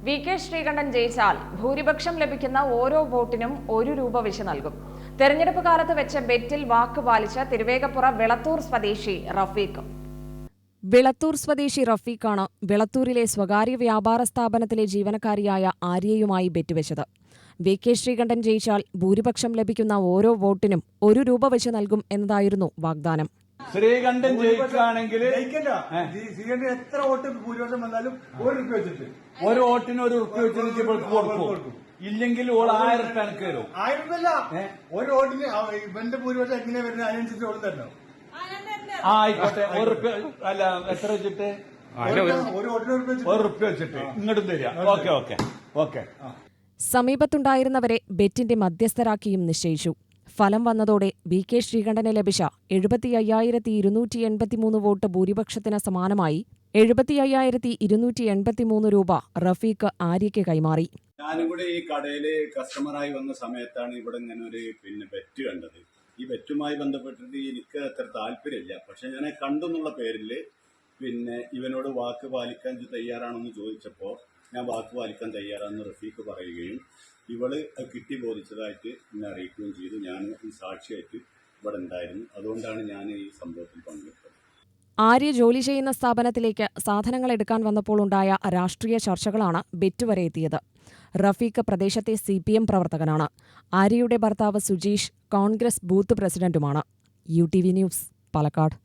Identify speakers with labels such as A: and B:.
A: VK. Sreekandan ജയിച്ചാൽ ഭൂരിപക്ഷം ലഭിക്കുന്ന ഓരോ വോട്ടിനും ₹1 വെച്ച് നൽകും. തെരഞ്ഞെടുപ്പ് കാലത്ത് വെച്ച ബെറ്റിൽ വാക്ക് പാലിച്ച തിരുവേഗപ്പുറ വിളത്തൂർ സ്വദേശി റഫീഖ്. വിളത്തൂർ സ്വദേശി റഫീഖാണ് വിളത്തൂരിലെ സ്വകാര്യ വ്യാപാര സ്ഥാപനത്തിലെ ജീവനക്കാരിയായ ആര്യയുമായി ബെറ്റുവെച്ചത്. വി.കെ. ശ്രീകണ്ഠൻ ജയിച്ചാൽ ഭൂരിപക്ഷം ലഭിക്കുന്ന ഓരോ വോട്ടിനും ₹1 വെച്ച് നൽകും എന്നതായിരുന്നു വാഗ്ദാനം.
B: ശ്രീകണ്ഠൻ ജയിക്കുകയാണെങ്കിൽ
C: എത്ര വോട്ട് ഭൂരിപക്ഷം വന്നാലും ₹1 വെച്ചിട്ട്
B: ഒരു വോട്ടിന് ₹1 വെച്ചിട്ട് ഇവൾക്ക് കൊടുക്കും. ഇല്ലെങ്കിൽ ഓൾ 1000 രൂപ എനിക്ക് തരും.
C: 1000 രൂപ ഒരു വോട്ടിന് ഇവന്റെ ഭൂരിപക്ഷം എങ്ങനെ വരുന്നത് അതിനനുസരിച്ച് ഓൾ തരണം.
B: ആയിക്കോട്ടെ, ₹1 അല്ല എത്ര വെച്ചിട്ട്
C: ഒരു വോട്ടിന്
B: ₹1 വെച്ചിട്ട് ഇങ്ങോട്ടും തരിക. Okay okay okay.
A: സമീപത്തുണ്ടായിരുന്നവരെ ബെറ്റിന്റെ മധ്യസ്ഥരാക്കിയും നിശ്ചയിച്ചു. ഫലം വന്നതോടെ വി.കെ. ശ്രീകണ്ഠന് ലഭിച്ച 75,283 വോട്ട് ഭൂരിപക്ഷത്തിന് സമാനമായി ₹75,283 റഫീഖ് ആര്യയ്ക്ക് കൈമാറി.
D: ഞാനും കൂടെ ഈ കടയിൽ കസ്റ്റമറായി വന്ന സമയത്താണ് ഇവിടെ ഇങ്ങനെ ഒരു ബെറ്റ് കണ്ടത്. ഈ ബെറ്റുമായി ബന്ധപ്പെട്ടിട്ട് എനിക്ക് അത്ര താല്പര്യമില്ല. പക്ഷെ ഞാൻ കണ്ടെന്നുള്ള പേരിൽ ഇവനോട് വാക്ക് പാലിക്കാൻ തയ്യാറാണെന്ന് ചോദിച്ചപ്പോൾ ഞാൻ വാക്ക് പാലിക്കാൻ തയ്യാറാണെന്ന് റഫീഖ് പറയുകയും ഇവള് കിട്ടി ബോധിച്ചതായിട്ട് എന്നെ അറിയിക്കുകയും ചെയ്തു. ഞാൻ ഈ സാക്ഷിയായിട്ട് ഇവിടെ ഉണ്ടായിരുന്നു. അതുകൊണ്ടാണ് ഞാൻ ഈ സംഭവത്തിൽ പങ്കെടുത്തത്.
A: ആര്യ ജോലി ചെയ്യുന്ന സ്ഥാപനത്തിലേക്ക് സാധനങ്ങൾ എടുക്കാൻ വന്നപ്പോൾ ഉണ്ടായ രാഷ്ട്രീയ ചർച്ചകളാണ് ബെറ്റ് വരെ എത്തിയത്. റഫീഖ് പ്രദേശത്തെ CPM പ്രവർത്തകനാണ്. ആര്യയുടെ ഭർത്താവ് സുജീഷ് കോൺഗ്രസ് ബൂത്ത് പ്രസിഡന്റുമാണ്. UTV news, Palakkad.